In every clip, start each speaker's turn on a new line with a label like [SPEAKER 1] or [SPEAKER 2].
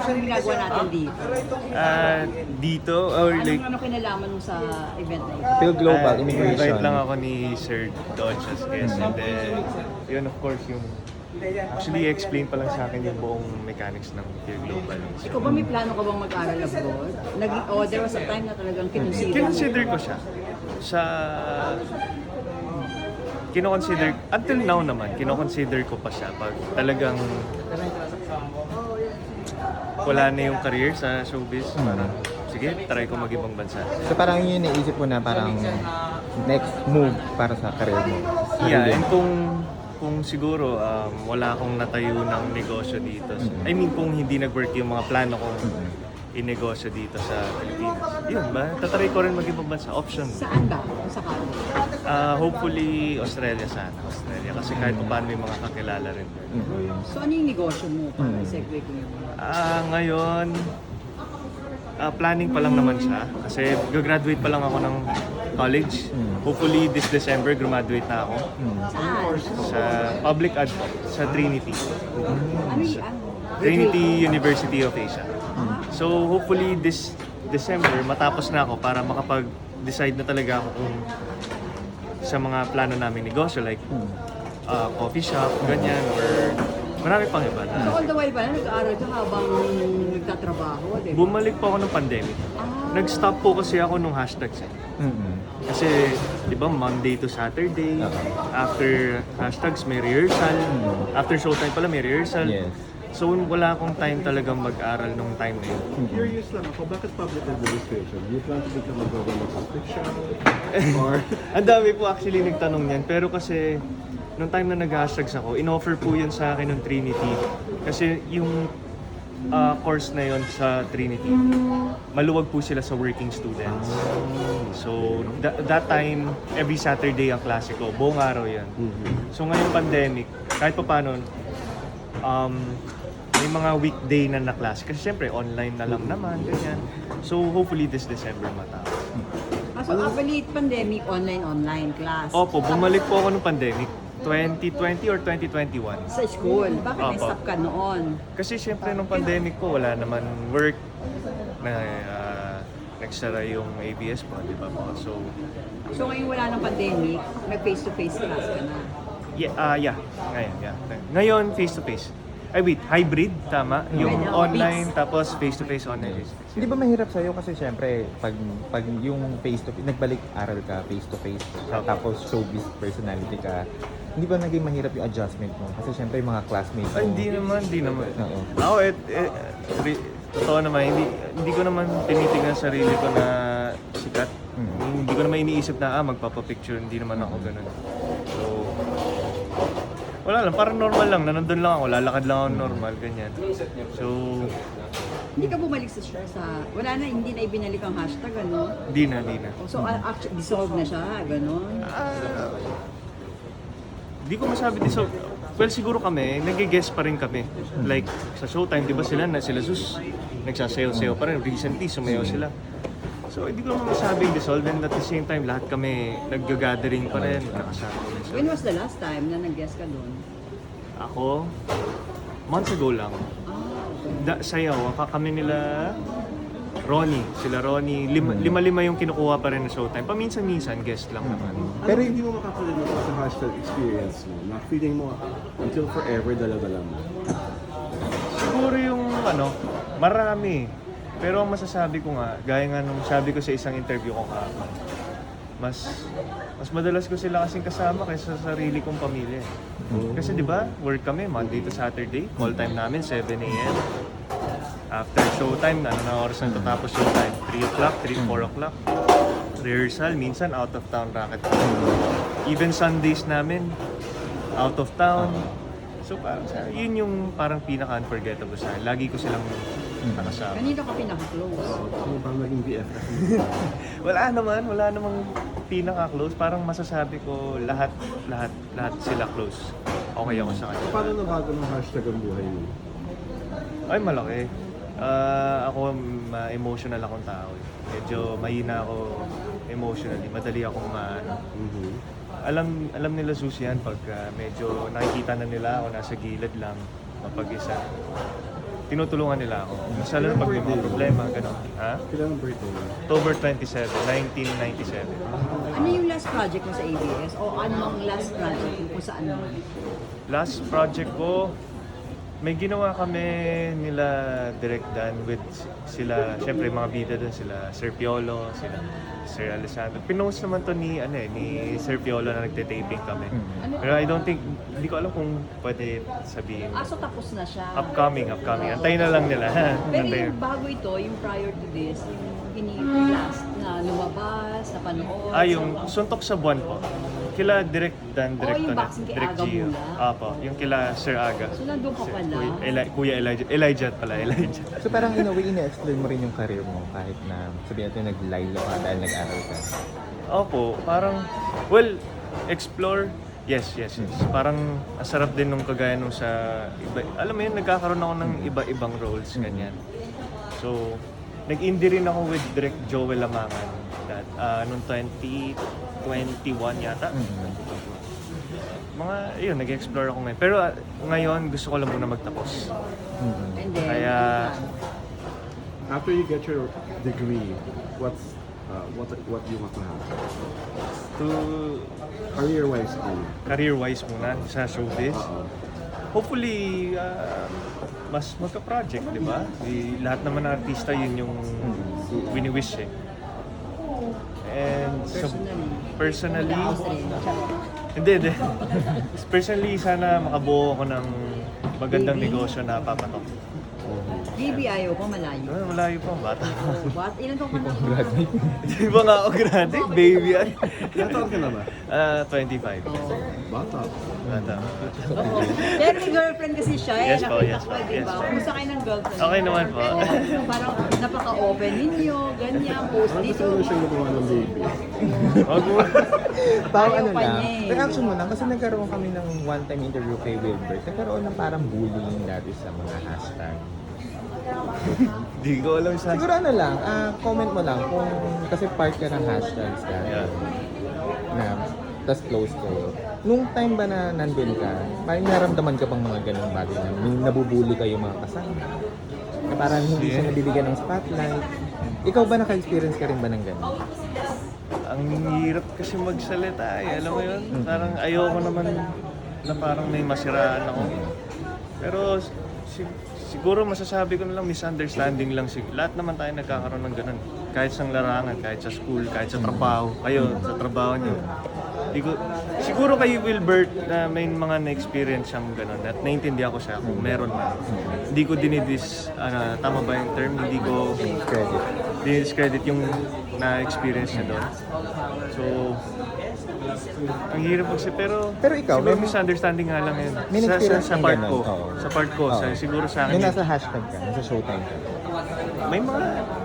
[SPEAKER 1] Ano ginagawa natin dito?
[SPEAKER 2] Dito, or like,
[SPEAKER 1] Ano kinalaman mo sa event na ito?
[SPEAKER 3] Phil Global Immigration.
[SPEAKER 2] invite lang ako ni Sir Dodge as guest. And then, yun of course yung, actually explain pa lang sa akin yung buong mechanics ng Peer Global.
[SPEAKER 1] Ikaw ba may plano ka bang mag-aral abroad? There was a time na talagang
[SPEAKER 2] Kinonsider ko siya. Kino-consider, until now naman, kino-consider ko pa siya pag talagang wala na yung career sa showbiz. Parang, sige, try ko mag-ibang bansa.
[SPEAKER 3] So parang yun yung naisip mo na parang next move para sa career mo.
[SPEAKER 2] Yeah, and kung siguro wala akong natayo ng negosyo dito. I mean, kung hindi nag-work yung mga plano kong inegosyo dito sa Pilipinas. Yun ba? Tatry ko rin mag-ibang bansa. Option.
[SPEAKER 1] Saan ba? Kung sakali?
[SPEAKER 2] Hopefully, Australia sana. Australia. Kasi kahit pa paano may mga kakilala rin.
[SPEAKER 1] So ano yung negosyo mo? Para segue ko yun.
[SPEAKER 2] Ngayon, planning pa lang naman siya. Kasi gagraduate pa lang ako ng college. Hopefully, this December, graduate na ako.
[SPEAKER 1] Saan?
[SPEAKER 2] Sa public ad sa Trinity.
[SPEAKER 1] Ano yung
[SPEAKER 2] Trinity University of Asia. So hopefully this December matapos na ako para makapag-decide na talaga ako kung sa mga plano namin negosyo like coffee shop, ganyan, or marami pang iba
[SPEAKER 1] So
[SPEAKER 2] na.
[SPEAKER 1] all the while ba nag-aaral ka habang nagtatrabaho? Diba?
[SPEAKER 2] Bumalik po ako ng pandemic. Nag-stop po kasi ako nung hashtags eh. Kasi, di ba, Monday to Saturday, after hashtags may rehearsal, after showtime pala may rehearsal.
[SPEAKER 3] Yes.
[SPEAKER 2] So wala akong time talagang mag-aral nung time na yun.
[SPEAKER 4] Curious lang ako, bakit public administration? Do you plan to become a government official? Or
[SPEAKER 2] Ang dami po actually nagtanong niyan, pero kasi nung time na nag-hashtags ako, in-offer po yun sa akin ng Trinity. Kasi yung course na yun sa Trinity, maluwag po sila sa working students. So that time, every Saturday ang klase ko, buong araw yan. So ngayong pandemic, kahit pa paano, may mga weekday na na-class. Kasi syempre, online na lang naman, ganyan. So hopefully this December matapos.
[SPEAKER 1] So actually, pandemic, online class.
[SPEAKER 2] Opo, bumalik po ako nung pandemic. 2020 or 2021.
[SPEAKER 1] Sa school. Bakit
[SPEAKER 2] Opo.
[SPEAKER 1] na-stop ka noon?
[SPEAKER 2] Kasi syempre nung pandemic po, wala naman work na nagsara yung ABS po, di ba po? So,
[SPEAKER 1] So ngayon wala ng pandemic, nag-face-to-face class ka na.
[SPEAKER 2] yeah. Ngayon, face-to-face. Ay wait, hybrid, tama? Yung
[SPEAKER 1] Hybrid,
[SPEAKER 2] online,
[SPEAKER 1] mix.
[SPEAKER 2] tapos face-to-face, online.
[SPEAKER 3] Hindi ba mahirap sa'yo kasi syempre pag yung face-to-face, nagbalik aral ka face-to-face, tapos showbiz personality ka, hindi ba naging mahirap yung adjustment mo? Kasi syempre yung mga classmates mo.
[SPEAKER 2] Ay, hindi naman.
[SPEAKER 3] Oo.
[SPEAKER 2] Ako, totoo naman, hindi ko naman tinitingnan sarili ko na sikat. Hindi ko naman iniisip na, magpapapicture, hindi naman ako ganun. So, wala lang, parang normal lang, na nandun lang ako, lalakad lang ako normal, ganyan. So,
[SPEAKER 1] Hindi ka bumalik wala na, hindi na ibinalik ang hashtag, ano?
[SPEAKER 2] di na.
[SPEAKER 1] So actually, dissolve na siya, gano'n?
[SPEAKER 2] Di ko masabi so well, siguro kami, nag-guess pa rin kami. Like, sa showtime, di ba sila Sus, nagsasayaw-sayaw pa rin. Recently, sumayaw sila. So, hindi ko naman masabing dissolve. And at the same time, lahat kami nag-gathering pa rin. Nakasama kami. So,
[SPEAKER 1] When was the last time na nag-guest ka doon?
[SPEAKER 2] ako, months ago lang. Sayaw, kami nila Sila Ronnie. Lima-lima yung kinukuha pa rin na showtime. Paminsan-minsan, guest lang naman.
[SPEAKER 4] pero hindi mo makakalimutan sa hashtag experience mo, na feeling mo until forever dala-dala mo.
[SPEAKER 2] Siguro yung marami. Pero ang masasabi ko nga, gaya nga nung sabi ko sa isang interview ko kahapon, mas madalas ko sila kasing kasama kaysa sa sarili kong pamilya. Kasi di ba, work kami Monday to Saturday, call time namin 7 a.m. After showtime, na oras na tatapos showtime? 3 o'clock, 4 o'clock. Rehearsal, minsan out of town racket. Even Sundays namin, out of town. So parang yun yung parang pinaka-unforgettable sa akin. Lagi ko silang nakasama.
[SPEAKER 1] Kanino ka pinaka-close?
[SPEAKER 4] Ano bang naging BFF mo?
[SPEAKER 2] Wala namang pinaka-close. Parang masasabi ko lahat sila close. Okay ako sa kanya.
[SPEAKER 4] Paano nabago ng hashtag ang buhay mo?
[SPEAKER 2] Ay, malaki. Ako, emotional akong tao. Medyo mahina ako emotionally. Madali akong alam nila Susi yan pag medyo nakikita na nila ako nasa gilid lang, mapag-isa. tinutulungan nila ako. Mas lalo na pag may mga problema, gano'n. Ha?
[SPEAKER 4] Kailan ang birthday mo?
[SPEAKER 2] October 27, 1997.
[SPEAKER 1] Ano yung last project mo sa ABS? O anong last project mo kung saan mo?
[SPEAKER 2] Last project ko, may ginawa kami nila Direct Dan with sila, syempre mga bida doon, sila Sir Piolo, sila Sir Alessandro. Pinost naman to ni Sir Piolo na nagte-taping kami. Pero I don't think, hindi ko alam kung pwede sabihin.
[SPEAKER 1] So tapos na siya.
[SPEAKER 2] Upcoming. Antayin na lang nila.
[SPEAKER 1] Pero
[SPEAKER 2] Antayin.
[SPEAKER 1] yung bago ito, yung prior to this, yung last na lumabas, na panood.
[SPEAKER 2] Yung Suntok sa Buwan po. Kila Direct Dan, Direct
[SPEAKER 1] yung
[SPEAKER 2] Tonet,
[SPEAKER 1] boxing kay
[SPEAKER 2] Direct
[SPEAKER 1] Aga
[SPEAKER 2] Gio.
[SPEAKER 1] Mula?
[SPEAKER 2] Apo, yung kila Sir Aga.
[SPEAKER 1] So nandun ka pala.
[SPEAKER 2] Kuya Elijah pala, Elijah.
[SPEAKER 3] So parang in a way, ina-explain mo rin yung career mo kahit na sabihin natin nag-lilo ka dahil nag-aral ka.
[SPEAKER 2] Opo, parang, well, explore, yes. Parang ang sarap din nung kagaya nung sa iba. Alam mo yun, nagkakaroon ako ng iba-ibang roles, ganyan. So, nag-indie rin ako with Direct Joel Lamangan that, noong 2021 yata. Mga, yun, nag-explore ako ngayon. Pero ngayon, gusto ko lang muna magtapos.
[SPEAKER 1] And then,
[SPEAKER 2] Kaya,
[SPEAKER 4] After you get your degree, what do you want to have?
[SPEAKER 2] to
[SPEAKER 4] Career-wise,
[SPEAKER 2] career-wise muna sa showbiz,
[SPEAKER 4] Oo.
[SPEAKER 2] hopefully, mas magka-project, di ba? Lahat naman ng artista, yun yung wini-wish eh. And so, personally,
[SPEAKER 1] House rin.
[SPEAKER 2] hindi. Personally, sana makabuo ako ng magandang negosyo na papatok.
[SPEAKER 1] Baby, ayaw pa malayo.
[SPEAKER 2] Malayo pa ang bata.
[SPEAKER 1] What? Ilan taon ka na?
[SPEAKER 2] Di ba nga ako grande? Baby yan.
[SPEAKER 4] Ilan taon ka na ba?
[SPEAKER 2] 25.
[SPEAKER 4] Bata.
[SPEAKER 2] Bata.
[SPEAKER 1] Oo. Pero may girlfriend kasi siya eh.
[SPEAKER 2] Yes po,
[SPEAKER 1] Nakita
[SPEAKER 2] yes
[SPEAKER 1] ko,
[SPEAKER 2] po,
[SPEAKER 1] di
[SPEAKER 2] yes
[SPEAKER 1] ba?
[SPEAKER 2] po.
[SPEAKER 1] Kumusta kayo ng girlfriend?
[SPEAKER 2] Okay naman po.
[SPEAKER 1] Oo, parang napaka-open ninyo, ganyan, post
[SPEAKER 4] Ano
[SPEAKER 1] dito.
[SPEAKER 4] gusto mo siyang gumawa ng baby?
[SPEAKER 2] Wag mo.
[SPEAKER 3] Parang
[SPEAKER 1] Ayaw
[SPEAKER 3] ano
[SPEAKER 1] pa
[SPEAKER 3] lang,
[SPEAKER 1] niya eh.
[SPEAKER 3] reaction mo lang kasi nagkaroon kami ng one-time interview kay Wilbert. Nagkaroon ng parang bullying dati sa mga hashtag.
[SPEAKER 2] Di ko alam sa...
[SPEAKER 3] Siguro ano lang, comment mo lang kung kasi part ka ng hashtags ka.
[SPEAKER 2] Yeah.
[SPEAKER 3] Na, tas close ko. Nung time ba na nandun ka, parang naramdaman ka bang mga ganung bagay na nabubuli kayo mga kasama? Na parang hindi siya nabibigyan ng spotlight. Ikaw ba naka-experience ka rin ba ng ganun?
[SPEAKER 2] Ang hirap kasi magsalita eh. Alam mo yun? Parang ayoko naman na parang may masiraan ako. Pero siguro masasabi ko na lang misunderstanding lang. Lahat naman tayo nagkakaroon ng ganun. Kahit sa larangan, kahit sa school, kahit sa trabaho. Kayo, sa trabaho nyo. Siguro kay Wilbert na may mga na-experience siyang ganun at naintindihan ko siya kung meron man. Hindi ko tama ba yung term? Hindi ko
[SPEAKER 3] Credit.
[SPEAKER 2] discredit yung na-experience niya doon. So, ang hirap pero
[SPEAKER 3] ikaw,
[SPEAKER 2] siguro
[SPEAKER 3] may-
[SPEAKER 2] misunderstanding nga lang yun.
[SPEAKER 3] May experience
[SPEAKER 2] Sa
[SPEAKER 3] ng
[SPEAKER 2] part
[SPEAKER 3] ganun,
[SPEAKER 2] ko.
[SPEAKER 3] oo.
[SPEAKER 2] Sa part ko,
[SPEAKER 3] Oo.
[SPEAKER 2] siguro sa akin.
[SPEAKER 3] Yung
[SPEAKER 2] yun.
[SPEAKER 3] nasa hashtag ka, nasa showtime ka.
[SPEAKER 2] May mga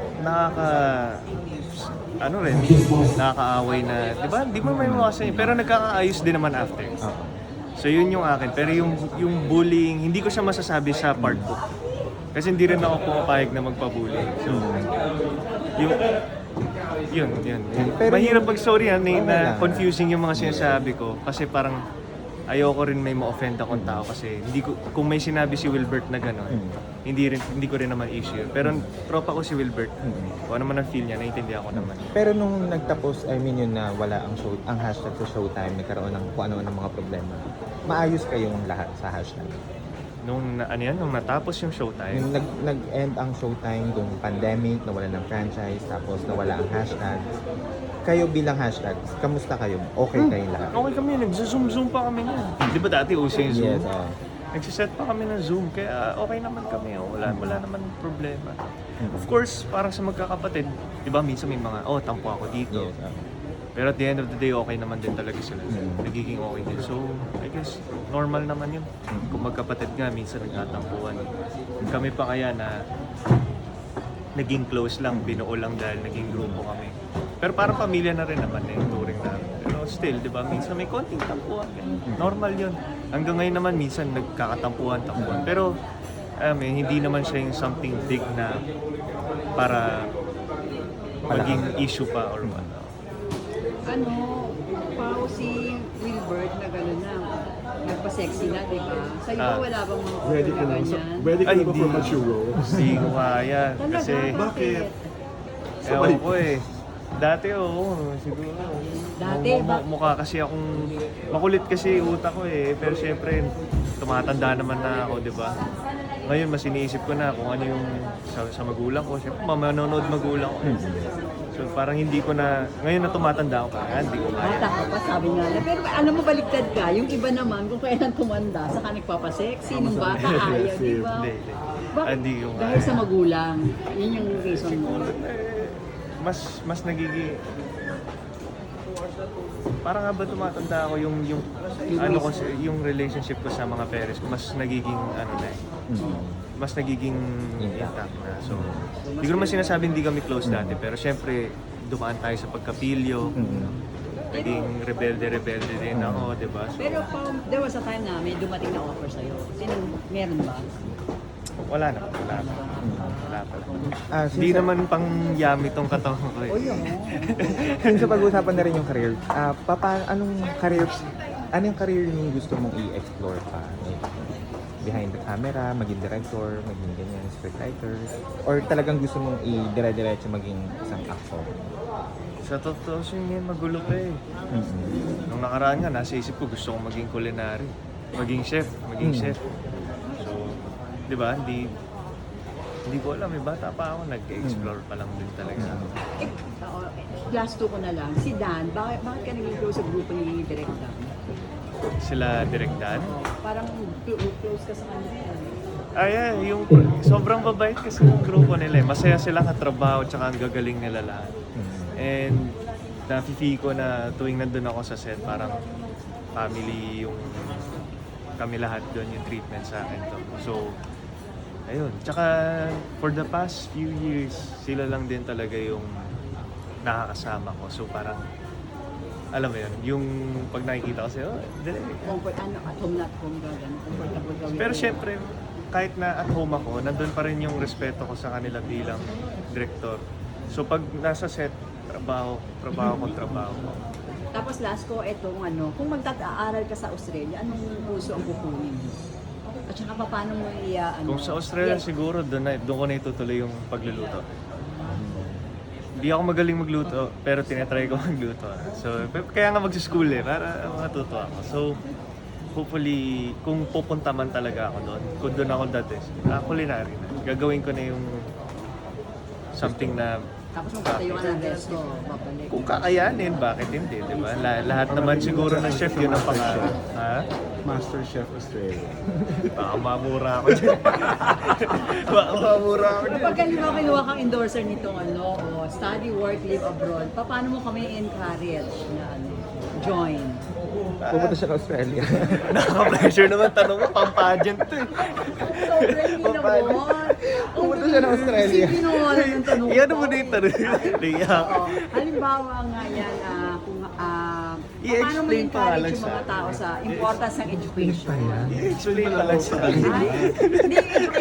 [SPEAKER 2] nakakaaway na, di ba? Di mo may mawasan yun. Pero nagkakaayos din naman after.
[SPEAKER 3] Oo.
[SPEAKER 2] So yun yung akin. Pero yung bullying, hindi ko siya masasabi sa part ko. Kasi hindi rin ako pumapayag na magpabully. So, yun.
[SPEAKER 3] Pero
[SPEAKER 2] Mahirap pag-sorry na
[SPEAKER 3] lang.
[SPEAKER 2] confusing yung mga sinasabi ko. Kasi parang ayoko rin may ma-offend akong tao kasi kung may sinabi si Wilbert na gano'n, hindi ko rin naman issue. Pero tropa ko si Wilbert. Kung ano man ang feel niya, naiintindihan ko naman.
[SPEAKER 3] Pero nung nagtapos, yun na wala ang hashtag sa showtime, nagkaroon ng kung ano ng mga problema. Maayos kayong lahat sa hashtag.
[SPEAKER 2] Nung natapos yung showtime,
[SPEAKER 3] Yung nag-end ang showtime, yung pandemic, nawala ng franchise, tapos nawala ang hashtag. Kayo bilang hashtag, kamusta kayo? Okay kayong lahat?
[SPEAKER 2] okay kami, nagzo-zoom pa kami niyan. Di ba dati uso yung Zoom?
[SPEAKER 3] Yes,
[SPEAKER 2] Nagsiset pa kami ng Zoom, kaya okay naman kami. Wala naman problema. Of course, parang sa magkakapatid, di ba minsan may mga, tampo ako dito.
[SPEAKER 3] Yes,
[SPEAKER 2] Pero at the end of the day, okay naman din talaga sila. Nagiging okay din. So, I guess, normal naman yun. Kung magkapatid nga, minsan nagtatampuan. Kami pa kaya na naging close lang, binuo lang dahil naging grupo kami. Pero parang pamilya na rin naman yung touring namin. Pero still, di ba, minsan may konting tampuan. Normal yun. Hanggang ngayon naman, minsan nagkakatampuan. Pero, hindi naman siya yung something big na para maging issue pa or what.
[SPEAKER 1] Si Wilbert na gano'n na, nagpa-sexy na, di ba? Sa iyo, wala bang mga offer
[SPEAKER 4] Ready ka
[SPEAKER 1] na
[SPEAKER 4] na?
[SPEAKER 1] ganyan?
[SPEAKER 4] Ready ka
[SPEAKER 2] Ay,
[SPEAKER 4] na ba for
[SPEAKER 2] hindi.
[SPEAKER 4] mature roles?
[SPEAKER 2] Hindi ko kaya.
[SPEAKER 1] Talaga?
[SPEAKER 2] Kasi,
[SPEAKER 4] Bakit?
[SPEAKER 2] ewan ko eh. Dati oo, siguro.
[SPEAKER 1] Dati,
[SPEAKER 2] Mukha kasi akong, makulit kasi yung utak ko eh. Pero syempre, tumatanda naman na ako, di ba? Ngayon, mas iniisip ko na kung ano yung sa magulang ko. Syempre, manonood magulang ko. So parang hindi ko na, ngayon na tumatanda ako, kaya hindi ko kaya.
[SPEAKER 1] Bata ka pa, sabi nga na. Pero alam mo, baliktad ka. Yung iba naman, kung kailan tumanda, saka nagpapasexy. Nung bata, ayaw, di ba?
[SPEAKER 2] Hindi.
[SPEAKER 1] Bakit?
[SPEAKER 2] Hindi ko kaya.
[SPEAKER 1] Dahil sa magulang. Yun yung reason mo.
[SPEAKER 2] Mas nagiging parang nga ba tumatanda ako yung ano ko yung relationship ko sa mga parents ko mas nagiging ano na eh. Mas nagiging intact na. So, hindi ko naman sinasabing hindi kami close dati, pero syempre, dumaan tayo sa pagkapilyo. Naging rebelde din ako, di ba? So,
[SPEAKER 1] Pero there was a time na may dumating na offer sa'yo. Meron ba?
[SPEAKER 2] wala na. Wala pa.
[SPEAKER 3] Since
[SPEAKER 2] Hindi naman pang yummy tong katawan ko eh.
[SPEAKER 3] Since pag-usapan na rin yung career, anong career yung gusto mong i-explore pa? Like, behind the camera, maging director, maging ganyan, scriptwriter, or talagang gusto mong i-dire-diretso maging isang actor?
[SPEAKER 2] Sa totoo yun, magulo pa eh. Nung nakaraan nga, nasa isip ko gusto kong maging culinary. Maging chef. So, di ba, hindi ko alam, bata pa ako, nag-explore pa lang din talaga.
[SPEAKER 1] Last two ko na lang. Si Dan, bakit ka naging close sa grupo ni Direk Dan?
[SPEAKER 2] Sila Direk Dan.
[SPEAKER 1] Parang close ka sa kanila.
[SPEAKER 2] Yung sobrang babait kasi yung grupo nila eh. Masaya silang katrabaho tsaka ang gagaling nila lahat. And nafe-feel ko na tuwing nandun ako sa set, parang family yung kami lahat doon yung treatment sa akin to. So, ayun. Tsaka for the past few years, sila lang din talaga yung nakakasama ko. So parang, alam mo yun, yung pag nakikita ko sa'yo, dali.
[SPEAKER 1] At home na at home ka, comfortable ka with
[SPEAKER 2] Pero
[SPEAKER 1] them.
[SPEAKER 2] syempre, kahit na at home ako, nandun pa rin yung respeto ko sa kanila bilang director. So pag nasa set, trabaho ko.
[SPEAKER 1] Tapos last ko, etong kung magtataaral ka sa Australia, anong kurso ang kukunin mo? At saka paano mo
[SPEAKER 2] Kung sa Australia siguro, doon ko na itutuloy yung pagluluto. Hindi ako magaling magluto, pero tinatry ko magluto. So, kaya nga mag-school eh, para matuto ako. So, hopefully, kung pupunta man talaga ako doon, kung doon ako dati, culinary na. Gagawin ko na yung something na
[SPEAKER 1] Tapos magtatayo ka ng resto, babalik.
[SPEAKER 2] kung kakayanin, bakit hindi, di ba? Lahat naman siguro ng chef yun ang pangarap. Ha?
[SPEAKER 4] Master Chef Australia.
[SPEAKER 2] Baka mamura ako dyan. Baka mamura ako dyan.
[SPEAKER 1] Kapag halimbawa kinuha kang endorser nitong study, work, live abroad, paano mo kami encourage na join?
[SPEAKER 3] Pupunta siya ng Australia.
[SPEAKER 2] Nakaka-pressure naman tanong mo, pang-pageant to eh.
[SPEAKER 1] Sobrang hinabot.
[SPEAKER 3] Pupunta siya ng Australia.
[SPEAKER 1] Sige, kinuha ng tanong ko.
[SPEAKER 2] Iyan mo na yung tanong. Liyak.
[SPEAKER 1] Halimbawa nga yan, kung paano mo
[SPEAKER 2] I-explain pa nga
[SPEAKER 1] encourage
[SPEAKER 2] lang
[SPEAKER 1] yung
[SPEAKER 2] sa
[SPEAKER 1] mga tao sa importance ng education?
[SPEAKER 2] I-explain pa lang sa
[SPEAKER 1] Ay, hindi,